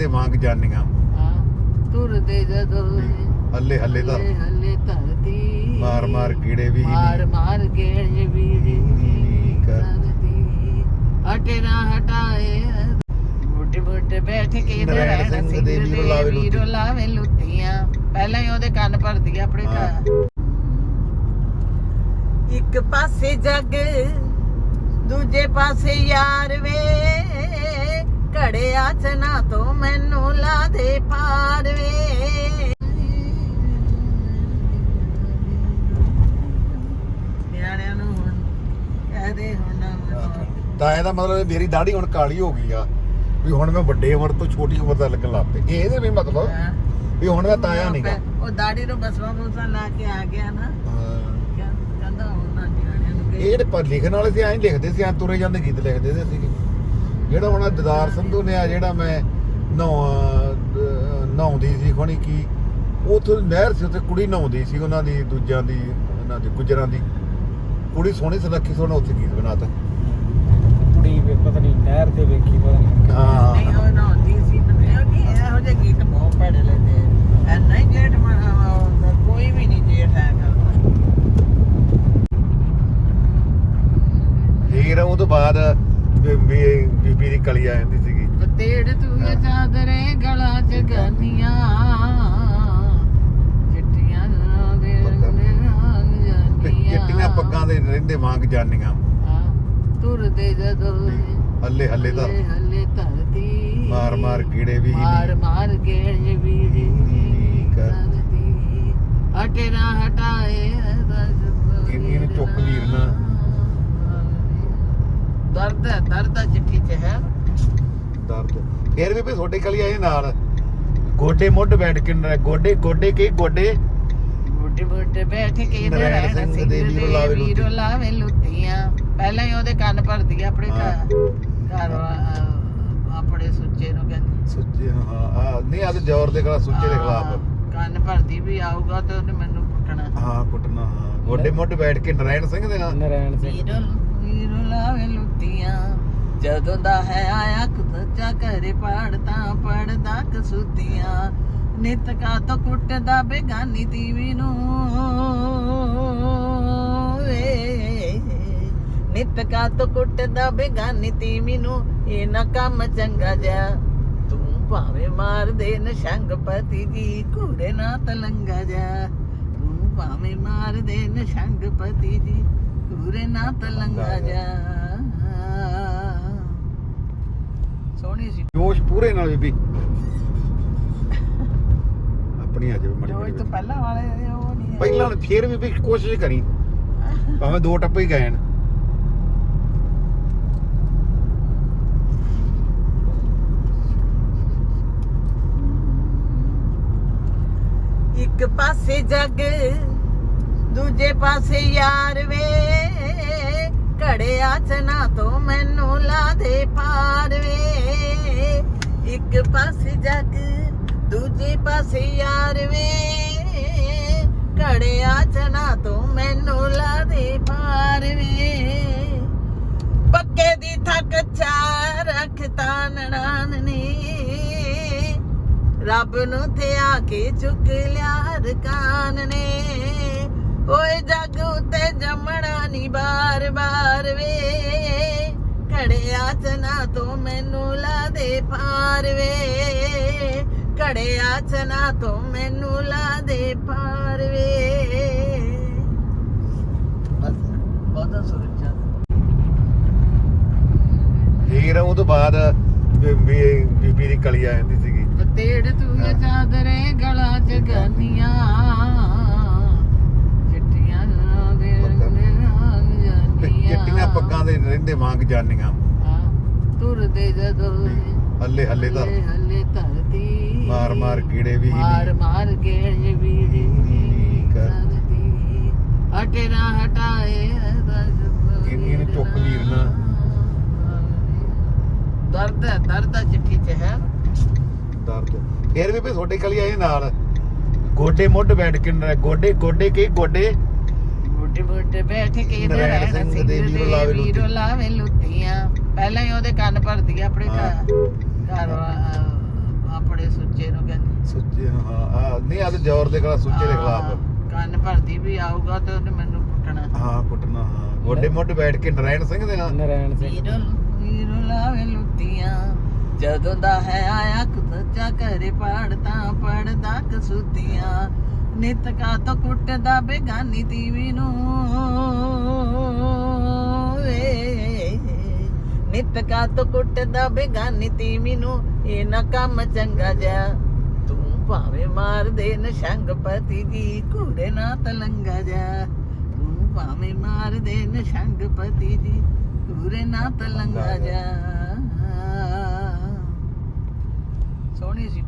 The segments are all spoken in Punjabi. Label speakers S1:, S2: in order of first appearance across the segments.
S1: ਵਾਂਗ ਜਾਨੀਆਂ
S2: ਤੁਰਦੇ ਜਦੋਂ
S1: ਹੱਲੇ ਹੱਲੇ ਤਾਂ
S2: ਹੱਲੇ ਧਰਤੀ
S1: ਮਾਰ ਮਾਰ ਕੀੜੇ ਵੀ
S2: ਮਾਰ ਮਾਰ ਗੇੜੇ ਵੀ ਕਰਦੀ ਹਟੇ ਨਾ ਹਟਾਏ ਬੁੱਢੇ ਬੁੱਢੇ ਬੈਠ ਕੇ
S1: ਨਰੈਣ ਸਿੰਘ ਦੇ
S2: ਵੀਰੋ ਲਾਵੇ ਲੁੱਟੀਆਂ ਪਹਿਲਾਂ ਹੀ ਉਹਦੇ ਕੰਨ ਭਰਦੀ ਆ ਆਪਣੇ ਘਰ ਇੱਕ ਪਾਸੇ ਜੱਗ ਦੂਜੇ ਪਾਸੇ ਯਾਰ ਵੇ ਘੜਿਆ ਚਨਾ ਤੋਂ ਮੈਨੂੰ ਲਾ ਦੇ ਪਾਰ ਵੇ ਨਿਆਣਿਆਂ ਨੂੰ ਹੁਣ ਕਹਦੇ ਹੁਣ
S1: ਤਾਂ ਇਹਦਾ ਮਤਲਬ ਮੇਰੀ ਦਾੜੀ ਹੁਣ ਕਾਲੀ ਹੋ ਗਈ ਆ ਵੀ ਹੁਣ ਮੈਂ ਵੱਡੇ ਉਮਰ ਤੋਂ ਛੋਟੀ ਉਮਰ ਦਾ ਲੱਗਣ ਲੱਗ ਪਿਆ ਇਹਦੇ ਵੀ ਮਤਲਬ ਵੀ ਹੁਣ ਮੈਂ ਤਾਇਆ ਨਹੀਂਗਾ
S2: ਉਹ ਦਾੜੀ ਨੂੰ ਬਸਵਾ ਬੁਸਾ ਲਾ ਕੇ ਆ ਗਿਆ ਨਾ ਕਹਿੰਦਾ ਹੁਣ ਨਾ ਨਿਆਣਿਆਂ ਨੂੰ
S1: ਇਹ ਜਿਹੜੇ ਪਰ ਲਿਖਣ ਵਾਲੇ ਸੀ ਐਂ ਲਿਖਦੇ ਸੀ ਐਂ ਤੁਰੇ ਜਾਂਦੇ ਗੀਤ ਲਿਖਦੇ ਸੀਗੇ ਜਿਹੜਾ ਹੁਣ ਦਦਾਰ ਸੰਧੂ ਨੇ ਆ ਜਿਹੜਾ ਮੈਂ ਨਹਾਉਂਦੀ ਸੀ ਖੋਣੀ ਕੀ ਉੱਥੇ ਨਹਿਰ ਸੀ ਉੱਥੇ ਕੁੜੀ ਨਹਾਉਂਦੀ ਸੀ ਉਹਨਾਂ ਦੀ ਦੂਜਿਆਂ ਦੀ ਉਹਨਾਂ ਦੀ ਗੁਜਰਾਂ ਦੀ ਕੁੜੀ ਸੋਹਣੀ ਸੁਨੱਖੀ ਸੋਹਣਾ ਉੱਥੇ ਗੀਤ ਬਣਾਤਾ
S3: ਕੁੜੀ ਵੇ ਪਤਾ ਨਹੀਂ ਨਹਿਰ ਤੇ ਵੇਖੀ ਪਤਾ ਨਹੀਂ
S1: ਹਾਂ
S2: ਨਹੀਂ ਉਹ ਨਹਾਉਂਦੀ ਸੀ ਇਹੋ ਜਿਹੇ ਗੀਤ ਬਹੁਤ ਭੜੇ ਲੈਂਦੇ ਐ ਨਹੀਂ ਜੇਠ ਕੋਈ ਵੀ ਨਹੀਂ ਜੇਠ ਹੈਗਾ
S1: ਫਿਰ ਉਹ ਤੋਂ ਬਾਅਦ ਬੀਬੀ ਦੀ ਕਲੀ ਆ ਜਾਂਦੀ ਸੀਗੀ
S2: ਤੇੜ ਤੂੰ ਚਾਦਰੇ ਗਲਾ ਚ ਗਾਨੀਆਂ ਚਿੱਟੀਆਂ ਦੇ
S1: ਚਿੱਟੀਆਂ ਪੱਗਾਂ ਦੇ ਰਹਿੰਦੇ ਵਾਂਗ ਜਾਨੀਆਂ
S2: ਤੁਰਦੇ ਜਦੋਂ
S1: ਹੱਲੇ ਹੱਲੇ ਤਾਂ
S2: ਹੱਲੇ ਧਰਤੀ
S1: ਮਾਰ ਮਾਰ ਕੀੜੇ ਵੀ
S2: ਮਾਰ ਮਾਰ ਗੇੜੇ ਵੀ ਕਰਦੀ ਹਟੇ ਨਾ ਹਟਾਏ
S1: ਇਹਨੂੰ ਚੁੱਕ ਲੀਰਨਾ
S2: ਦਰਦ ਚਿੱਠੀ ਚ ਹੈ
S1: ਦਰਦ ਫਿਰ ਵੀ ਤੁਹਾਡੇ ਕਲੀ ਆਏ ਨਾਲ ਗੋਡੇ ਮੁੱਢ ਬੈਠ ਕੇ ਗੋਡੇ ਗੋਡੇ ਕੇ ਗੋਡੇ
S2: ਬੁੱਢੇ ਬੁੱਢੇ ਬੈਠ ਕੇ
S1: ਨਰੈਣ ਸਿੰਘ ਦੇ
S2: ਵੀਰੋ ਲਾਵੇ ਲੁੱਟੀਆਂ ਪਹਿਲਾਂ ਹੀ ਉਹਦੇ ਕੰਨ ਭਰਦੀ ਆ ਆਪਣੇ ਘਰ ਆਪਣੇ ਸੁੱਚੇ ਨੂੰ ਕਹਿੰਦੀ
S1: ਸੁੱਚੇ ਹਾਂ ਨਹੀਂ ਆ ਤੇ ਜ਼ੋਰ ਦੇ ਖਿਲਾਫ ਸੁੱਚੇ ਦੇ ਖਿਲਾਫ
S2: ਕੰਨ ਭਰਦੀ ਵੀ ਆਊਗਾ ਤੇ ਉਹਨੇ ਮੈਨੂੰ ਕੁੱਟਣਾ
S1: ਹਾਂ ਕੁੱਟਣਾ ਹਾਂ ਗੋਡੇ ਮੁੱਢ ਬੈਠ ਕੇ ਨਰੈਣ ਸਿੰਘ ਦੇ ਨਾਲ
S3: ਨਰੈਣ ਸਿੰਘ
S2: ਵੀਰੋ ਲਾਵੇ ਲੁੱਟੀਆਂ ਜਦੋਂ ਦਾ ਹੈ ਆਇਆ ਕੁੱਤਾ ਘਰੇ ਪੜਦਾ ਪੜਦਾ ਕਸੂਤੀਆਂ ਨਿਤ ਕਾ ਤੋਂ ਕੁੱਟਦਾ ਬੇਗਾਨੀ ਤੀਵੀ ਨੂੰ ਨਿਤ ਕਾ ਤੋਂ ਕੁੱਟਦਾ ਬੇਗਾਨੀ ਤੀਵੀ ਨੂੰ ਇਹ ਨਾ ਕੰਮ ਚੰਗਾ ਜਾ ਤੂੰ ਭਾਵੇਂ ਮਾਰ ਦੇ ਨਸ਼ੰਗ ਪਤੀ ਜੀ ਘੂੜੇ ਨਾ ਤਲੰਗਾ ਜਾ ਤੂੰ ਭਾਵੇਂ ਮਾਰ ਦੇ ਨਸ਼ੰਗ ਪਤੀ ਜੀ ਘੂੜੇ ਨਾ ਤਲੰਗਾ ਜਾ ਸੋਹਣੀ ਸੀ
S1: ਜੋਸ਼ ਪੂਰੇ ਨਾਲ ਬੀਬੀ ਆਪਣੀ ਆ ਜਾਵੇ
S2: ਜੋ
S1: ਮੜੀ
S2: ਤੋਂ ਪਹਿਲਾਂ ਵਾਲੇ ਉਹ ਨਹੀਂ
S1: ਪਹਿਲਾਂ ਫੇਰ ਵੀ ਕੋਸ਼ਿਸ਼ ਕਰੀ ਭਾਵੇਂ ਦੋ ਟੱਪੇ ਹੀ ਗਏ ਨੇ
S2: ਇੱਕ ਪਾਸੇ ਜੱਗ ਦੂਜੇ ਪਾਸੇ ਯਾਰ ਵੇ ਘੜਿਆ ਚਨਾ ਤੋਂ ਮੈਨੂੰ ਲਾ ਦੇ ਪਾਰ ਵੇ ਇੱਕ ਪਾਸੇ ਜੱਗ ਦੂਜੇ ਪਾਸੇ ਯਾਰ ਵੇ ਘੜਿਆ ਚਨਾ ਤੋਂ ਮੈਨੂੰ ਲਾ ਦੇ ਪਾਰ ਵੇ ਪੱਕੇ ਦੀ ਥੱਕ ਚਾ ਰੱਖਤਾ ਨਣਾਨ ਨੇ ਰੱਬ ਨੂੰ ਤੇ ਆ ਕੇ ਚੁੱਕ ਲਿਆ ਰਕਾਨ ਨੇ ਓਏ ਜੱਗ ਉਤੇ ਜੰਮਣਾ ਨੀ ਬਾਰ ਬਾਰ ਵੇ ਘੜਿਆ ਚਨਾ ਤੋਂ ਮੈਨੂੰ ਲਾ ਦੇ ਪਾਰ ਵੇ ਘੜਿਆ ਚਨਾ ਤੋਂ ਮੈਨੂੰ ਲਾ ਦੇ ਪਾਰ ਵੇ ਬਹੁਤਾ ਸੁਰਚਾ
S1: ਫਿਰ ਉਹ ਤੋਂ ਬਾਅਦ ਬੀਬੀ ਦੀ ਕਲੀ ਆ ਜਾਂਦੀ ਸੀਗੀ
S2: ਤੇੜ ਤੂੰ ਚਾਦਰੇ ਗਲਾ ਚ ਗਾਨੀਆਂ
S1: ਚਿੱਟੀਆਂ ਪੱਗਾਂ ਦੇ ਰਹਿੰਦੇ ਵਾਂਗ ਜਾਨੀਆਂ
S2: ਤੁਰਦੇ ਜਦੋਂ
S1: ਹੱਲੇ ਹੱਲੇ ਤਾਂ
S2: ਹੱਲੇ ਧਰਤੀ
S1: ਮਾਰ ਮਾਰ ਕੀੜੇ ਵੀ
S2: ਮਾਰ ਮਾਰ ਗੇੜੇ ਵੀ ਕਰਦੀ ਹਟੇ ਨਾ ਹਟਾਏ
S1: ਇਹਨੂੰ ਚੁੱਕ ਲੀਰਨਾ
S2: ਦਰਦ ਚਿੱਠੀ ਚ ਹੈ
S1: ਦਰਦ ਫਿਰ ਵੀ ਤੁਹਾਡੇ ਕਲੀ ਆਏ ਨਾਲ ਗੋਡੇ ਮੁੱਢ ਬੈਠ ਕੇ ਗੋਡੇ ਗੋਡੇ ਕੇ ਗੋਡੇ
S2: ਬੁੱਢੇ ਬੁੱਢੇ ਬੈਠ ਕੇ
S1: ਨਰੈਣ ਸਿੰਘ ਦੇ
S2: ਵੀਰੋ ਲਾਵੇ ਲੁੱਟੀਆਂ ਪਹਿਲਾਂ ਹੀ ਉਹਦੇ ਕੰਨ ਭਰਦੀ ਆ ਆਪਣੇ ਘਰ
S1: ਸੁੱਚੇ ਹਾਂ ਨਹੀਂ ਆ ਤੇ ਜ਼ੋਰ ਦੇ ਖਿਲਾਫ ਸੁੱਚੇ ਦੇ ਖਿਲਾਫ
S2: ਕੰਨ ਭਰਦੀ ਵੀ ਆਊਗਾ ਤੇ ਉਹਨੇ ਮੈਨੂੰ ਕੁੱਟਣਾ
S1: ਹਾਂ ਕੁੱਟਣਾ ਹਾਂ ਗੋਡੇ ਮੋਢੇ ਬੈਠ ਕੇ ਨਰਾਇਣ ਸਿੰਘ ਦੇ ਨਾਲ
S3: ਨਰੈਣ ਸਿੰਘ
S2: ਵੀਰੋ ਲਾਵੇ ਲੁੱਟੀਆਂ ਜਦੋਂ ਦਾ ਹੈ ਆਇਆ ਕੁੱਤਾ ਘਰੇ ਪੜਦਾ ਪੜਦਾ ਕਸੂਤੀਆਂ ਨਿਤ ਕਾ ਤੋਂ ਕੁੱਟਦਾ ਬੇਗਾਨੀ ਤੀਵੀ ਨੂੰ ਵੇ ਨਿਤ ਕਾ ਤੋਂ ਕੁੱਟਦਾ ਬੇਗਾਨੀ ਤੀਵੀ ਨੂੰ ਇਹ ਨਾ ਕੰਮ ਚੰਗਾ ਜਾ ਤੂੰ ਭਾਵੇਂ ਮਾਰ ਦੇ ਨਸ਼ੰਗ ਪਤੀ ਜੀ ਘੂੜੇ ਨਾ ਤਲੰਗਾ ਜਾ ਤੂੰ ਭਾਵੇਂ ਮਾਰ ਦੇ ਨਸ਼ੰਗ ਪਤੀ ਜੀ ਘੂੜੇ ਨਾ ਤਲੰਗਾ ਜਾ ਸੋਹਣੀ ਸੀ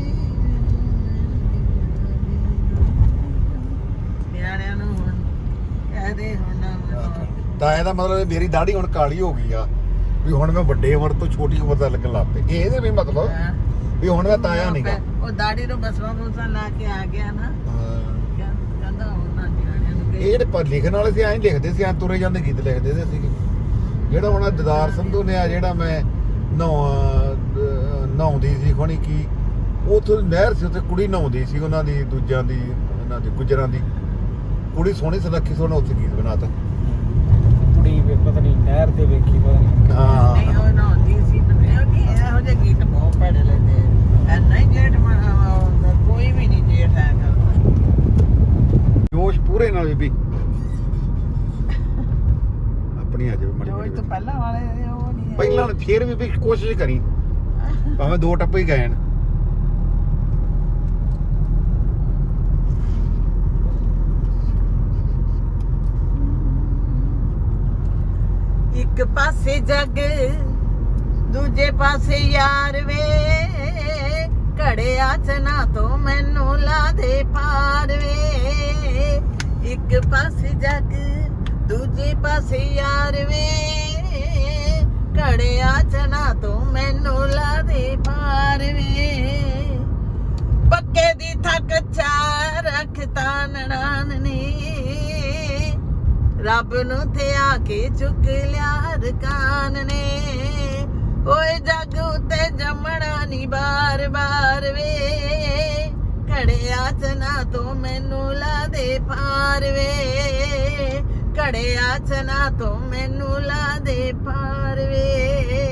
S2: ਨਿਆਣਿਆਂ ਨੂੰ ਹੁਣ ਕਹਦੇ ਹੁਣ
S1: ਤਾਂ ਇਹਦਾ ਮਤਲਬ ਮੇਰੀ ਦਾੜੀ ਹੁਣ ਕਾਲੀ ਹੋ ਗਈ ਆ ਵੀ ਹੁਣ ਮੈਂ ਵੱਡੇ ਉਮਰ ਤੋਂ ਛੋਟੀ ਉਮਰ ਦਾ ਲੱਗਣ ਲੱਗ ਪਈ ਇਹਦੇ ਵੀ ਮਤਲਬ ਵੀ ਹੁਣ ਮੈਂ ਤਾਇਆ ਨਹੀਂਗਾ
S2: ਉਹ ਦਾੜੀ ਨੂੰ ਬਸਵਾ ਬਸਵਾ ਲਾ ਕੇ ਆ ਗਿਆ ਨਾ ਕਹਿੰਦਾ ਉਹਨਾਂ ਨਿਆਣਿਆਂ ਨੂੰ
S1: ਇਹ ਜਿਹੜੇ ਪਰ ਲਿਖਣ ਵਾਲੇ ਸੀ ਐਂ ਲਿਖਦੇ ਸੀ ਐਂ ਤੁਰੇ ਜਾਂਦੇ ਗੀਤ ਲਿਖਦੇ ਸੀ ਸੀਗੇ ਜਿਹੜਾ ਹੁਣ ਦਦਾਰ ਸੰਧੂ ਨੇ ਆ ਜਿਹੜਾ ਮੈਂ ਨਹਾਉਂਦੀ ਸੀ ਖੋਣੀ ਕੀ ਉੱਥੇ ਨਹਿਰ ਸੀ ਉੱਥੇ ਕੁੜੀ ਨਹਾਉਂਦੀ ਸੀ ਉਹਨਾਂ ਦੀ ਦੂਜਿਆਂ ਦੀ ਉਹਨਾਂ ਦੀ ਗੁਜਰਾਂ ਦੀ ਕੁੜੀ ਸੋਹਣੀ ਸੁਨੱਖੀ ਸੋਹਣਾ ਉੱਥੇ ਗੀਤ ਬਣਾਤਾ
S3: ਕੁੜੀ ਵੀ ਪਤਾ ਨਹੀਂ ਨਹਿਰ ਤੇ ਵੇਖੀ ਪਤਾ ਨਹੀਂ
S1: ਹਾਂ
S2: ਨਹੀਂ ਉਹ ਨਹਾਉਂਦੀ ਸੀ ਤੇ ਇਹੋ ਜਿਹੇ ਗੀਤ ਬਹੁਤ ਪੜੇ ਲੈਂਦੇ ਐ ਨਹੀਂ ਜੇਠ ਕੋਈ ਵੀ ਨਹੀਂ ਜੇਠ ਹੈਗਾ
S1: ਜੋਸ਼ ਪੂਰੇ ਨਾਲ ਬੀਬੀ ਆਪਣੀ ਆ ਜਾਵੇ
S2: ਜੋ
S1: ਮੜੀ
S2: ਤੋਂ ਪਹਿਲਾਂ ਵਾਲੇ ਉਹ ਨਹੀਂ
S1: ਪਹਿਲਾਂ ਫੇਰ ਵੀ ਕੋਸ਼ਿਸ਼ ਕਰੀ ਭਾਵੇਂ ਦੋ ਟੱਪੇ ਹੀ ਗਏ ਨੇ
S2: ਇੱਕ ਪਾਸੇ ਜੱਗ ਦੂਜੇ ਪਾਸੇ ਯਾਰ ਵੇ ਘੜਿਆ ਚਨਾ ਤੋਂ ਮੈਨੂੰ ਲਾ ਦੇ ਪਾਰ ਵੇ ਇੱਕ ਪਾਸੇ ਜੱਗ ਦੂਜੇ ਪਾਸੇ ਯਾਰ ਵੇ ਘੜਿਆ ਚਨਾ ਤੋਂ ਮੈਨੂੰ ਲਾ ਦੇ ਪਾਰ ਵੇ ਪੱਕੇ ਦੀ ਥੱਕ ਚਾ ਰੱਖਤਾ ਨਣਾਨ ਨੇ ਰੱਬ ਨੂੰ ਤੇ ਆ ਕੇ ਚੁੱਕ ਲਿਆ ਰਕਾਨ ਨੇ ਓਏ ਜੱਗ ਉਤੇ ਜੰਮਣਾ ਨੀ ਬਾਰ ਬਾਰ ਵੇ ਘੜਿਆ ਚਨਾ ਤੋਂ ਮੈਨੂੰ ਲਾ ਦੇ ਪਾਰ ਵੇ ਘੜਿਆ ਚਨਾ ਤੋਂ ਮੈਨੂੰ ਲਾ ਦੇ ਪਾਰ ਵੇ